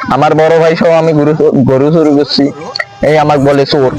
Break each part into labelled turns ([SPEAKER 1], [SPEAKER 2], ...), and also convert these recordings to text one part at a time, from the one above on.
[SPEAKER 1] আমার বড় ভাই সহ আমি গরু চুরি করছি, এই আমাকে বলে চোর।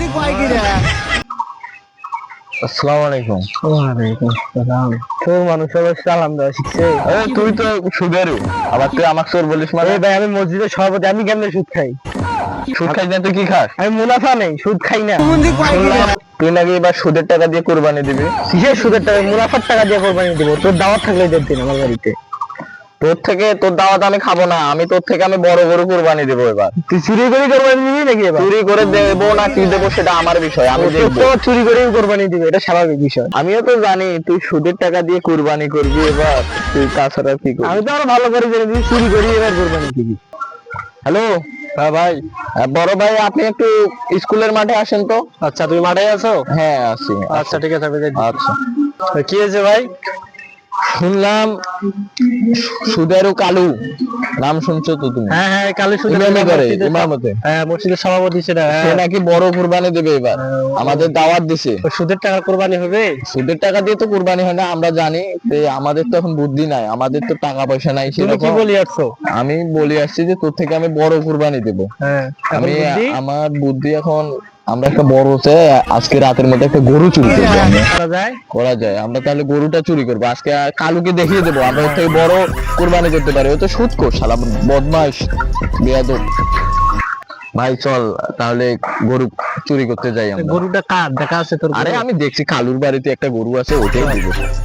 [SPEAKER 1] আসসালামু আলাইকুম।
[SPEAKER 2] ওয়ালাইকুম আসসালাম। তোর মানুষ আবার সালাম দেওয়া শিখছে?
[SPEAKER 1] তুই তো সুদেরু, আবার তুই আমাকে চোর বলিস মানে?
[SPEAKER 2] ভাই আমি মসজিদের সভাপতি, আমি কেমনে সুদ খাই?
[SPEAKER 1] সুদ খাই না তুই কি খাস?
[SPEAKER 2] আমি মুনাফা নেই, সুদ খাই না।
[SPEAKER 1] শুনলাম তুই নাকি এবার সুদের টাকা দিয়ে কুরবানি দিবি।
[SPEAKER 2] কিসের সুদের টাকা? মুনাফার টাকা দিয়ে কোরবানি দেবো। তোর দাওয়াত থাকলে দিন আমার বাড়িতে।
[SPEAKER 1] তোর দাওয়াত আমি খাবো না, তোর থেকে আমি বড় গরু কুরবানি দেবো এবার।
[SPEAKER 2] তুই চুরি করে কোরবানি দিবি নাকি এবার?
[SPEAKER 1] চুরি করে দেবো না কি দেবো সেটা আমার বিষয়, আমি দেখবো।
[SPEAKER 2] তো চুরি করে কোরবানি দিবে, এটা স্বাভাবিক বিষয়।
[SPEAKER 1] আমিও তো জানি তুই সুদের টাকা দিয়ে কুরবানি করবি এবার, তুই তাছাড়া কি করবি?
[SPEAKER 2] আমি তো আরো ভালো করে জানি তুই চুরি করি এবার কোরবানি দিবি।
[SPEAKER 1] হ্যালো।
[SPEAKER 2] হ্যাঁ ভাই।
[SPEAKER 1] বড় ভাই আপনি একটু স্কুলের মাঠে আসেন তো।
[SPEAKER 2] আচ্ছা তুমি মাঠে আছো?
[SPEAKER 1] হ্যাঁ আছি।
[SPEAKER 2] আচ্ছা ঠিক আছে, আমি যাচ্ছি।
[SPEAKER 1] আচ্ছা।
[SPEAKER 2] কি হয়েছে ভাই?
[SPEAKER 1] শুনলাম সুদেরু কালু, নাম শুনছো তো তুমি?
[SPEAKER 2] হ্যাঁ হ্যাঁ, কালী সুদ
[SPEAKER 1] ইমামি করে, ইমামতে।
[SPEAKER 2] হ্যাঁ মসজিদের সভাপতি সেটা।
[SPEAKER 1] সে নাকি বড় কুরবানি দেবে এবার, আমাদের দাওয়াত দিছে।
[SPEAKER 2] সুদের টাকা কোরবানি হবে?
[SPEAKER 1] সুদের টাকা দিয়ে তো কুরবানি হয় না, আমরা জানি। আমাদের তো এখন বুদ্ধি নাই, আমাদের তো টাকা পয়সা নাই
[SPEAKER 2] তুমি কি
[SPEAKER 1] সেরকম।
[SPEAKER 2] বলি আসছো?
[SPEAKER 1] আমি বলি আসছি যে তোর থেকে আমি বড় কুরবানি দেবো।
[SPEAKER 2] হ্যাঁ
[SPEAKER 1] আমি আমার বুদ্ধি এখন, আমরা একটা বড় হচ্ছে আজকে রাতের মধ্যে একটা গরু চুরি করবো। করা যায়, আমরা তাহলে গরুটা চুরি করবো আজকে। কালুকে দেখিয়ে দেবো আমরা ওর থেকে বড় কুরবানি করতে পারি। ও তো সুদখোর শালা, বদমাইশ, বেয়াদব। ভাই চল তাহলে গরু চুরি করতে যাই আমরা।
[SPEAKER 2] গরুটা কার দেখা আছে তোর?
[SPEAKER 1] আরে আমি দেখছি কালুর বাড়িতে একটা গরু আছে, ওটাই দিব।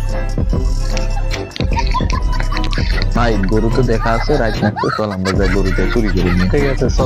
[SPEAKER 1] ভাই গরু তো দেখা আছে, রাইট নাকতে, চল আমরা যাই গরুটা চুরি করি।
[SPEAKER 2] ঠিক আছে চল।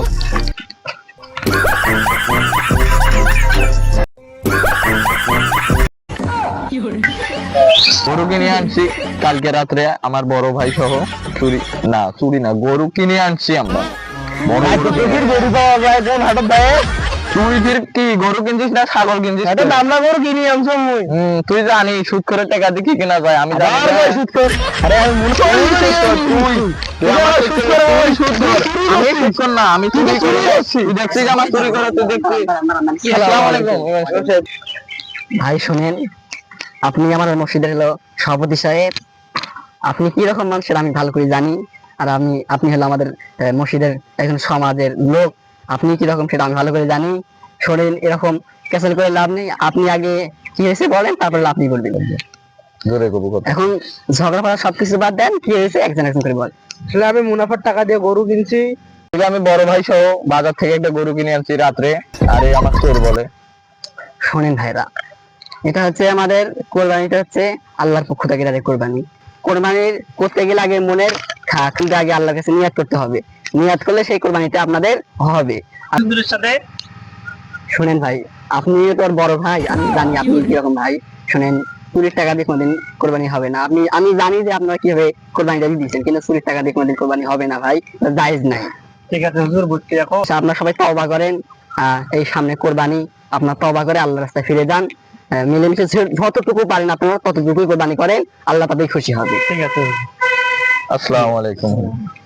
[SPEAKER 1] গরু কিনে আনছি কালকে রাত্রে আমার বড় ভাই সহ। চুরি না, গরু কিনে আনছি আমরা।
[SPEAKER 2] গরু পাওয়া যায় কোন হাটত ভাই?
[SPEAKER 1] তুই ফির কি গরু কিনছিস না ছাগল কিনছিস?
[SPEAKER 2] এটা দামনা গরু কিনি আনছো মুই।
[SPEAKER 1] তুই জানিস সুদ করে টাকা দিয়ে কি কেনা যায়, আমি জানি না।
[SPEAKER 2] সুদ কর। আরে আমি মনে করি
[SPEAKER 1] তুই আমার সুদ করে, ওই সুদ কর। আমি সুদ কর না, আমি চুরি করে যাচ্ছি। তুই দেখছিস আমার চুরি করে, তুই দেখছিস। আসসালামু আলাইকুম।
[SPEAKER 3] ভাই শুনেন, আপনি আমার মসজিদের হলো সভাপতি সাহেব। আপনি কি রকম মানুষের আমি ভালো করে জানি। আর আপনি হলো আমাদের মসজিদের একজন সমাজের লোক। আপনি কি রকম সেটা আমি ভালো করে জানি। শোনেন, এরকম ক্যান্সেল করে লাভ নেই। আপনি আগে কি হয়েছে বলেন, তারপরে আপনি বলবেন। এখন ঝগড়া ফড়া সবকিছু বাদ দেন, কি হয়েছে একজন একজন করে বল।
[SPEAKER 2] আসলে আমি মুনাফার টাকা দিয়ে গরু কিনছি।
[SPEAKER 1] আমি বড় ভাই সহ বাজার থেকে একটা গরু কিনে আনছি রাত্রে, আরে আমার চোর বলে।
[SPEAKER 3] শোনেন ভাইরা, এটা হচ্ছে আমাদের কোরবানিটা হচ্ছে আল্লাহর পক্ষ থেকে তাদের কোরবানি। কোরবানির করতে গেলে আগে মনের কিন্তু আগে আল্লাহর কাছে নিয়াত করতে হবে। নিয়াত করলে সেই কোরবানিটা আপনাদের হবে।
[SPEAKER 2] সাথে
[SPEAKER 3] শুনেন ভাই, আপনি তো আর বড় ভাই, আমি জানি আপনি কিরকম ভাই। শুনেন, চুরির টাকা দিয়ে কোনোদিন কোরবানি হবে না। আমি জানি যে আপনারা কিভাবে কোরবানিটা দিচ্ছেন, কিন্তু চুরির টাকা দিয়ে কোনোদিন কোরবানি হবে না ভাই, জায়েজ নাই।
[SPEAKER 2] ঠিক আছে হুজুর, বুঝছি। রাখো।
[SPEAKER 3] আপনারা সবাই তওবা করেন। এই সামনে কোরবানি, আপনার তওবা করে আল্লাহর রাস্তায় ফিরে যান। মিলেমিশে যতটুকু পারেন আপনারা ততটুকুই কোরবানি করেন, আল্লাহ তাদের খুশি হবে।
[SPEAKER 2] ঠিক আছে।
[SPEAKER 1] আসসালামু আলাইকুম।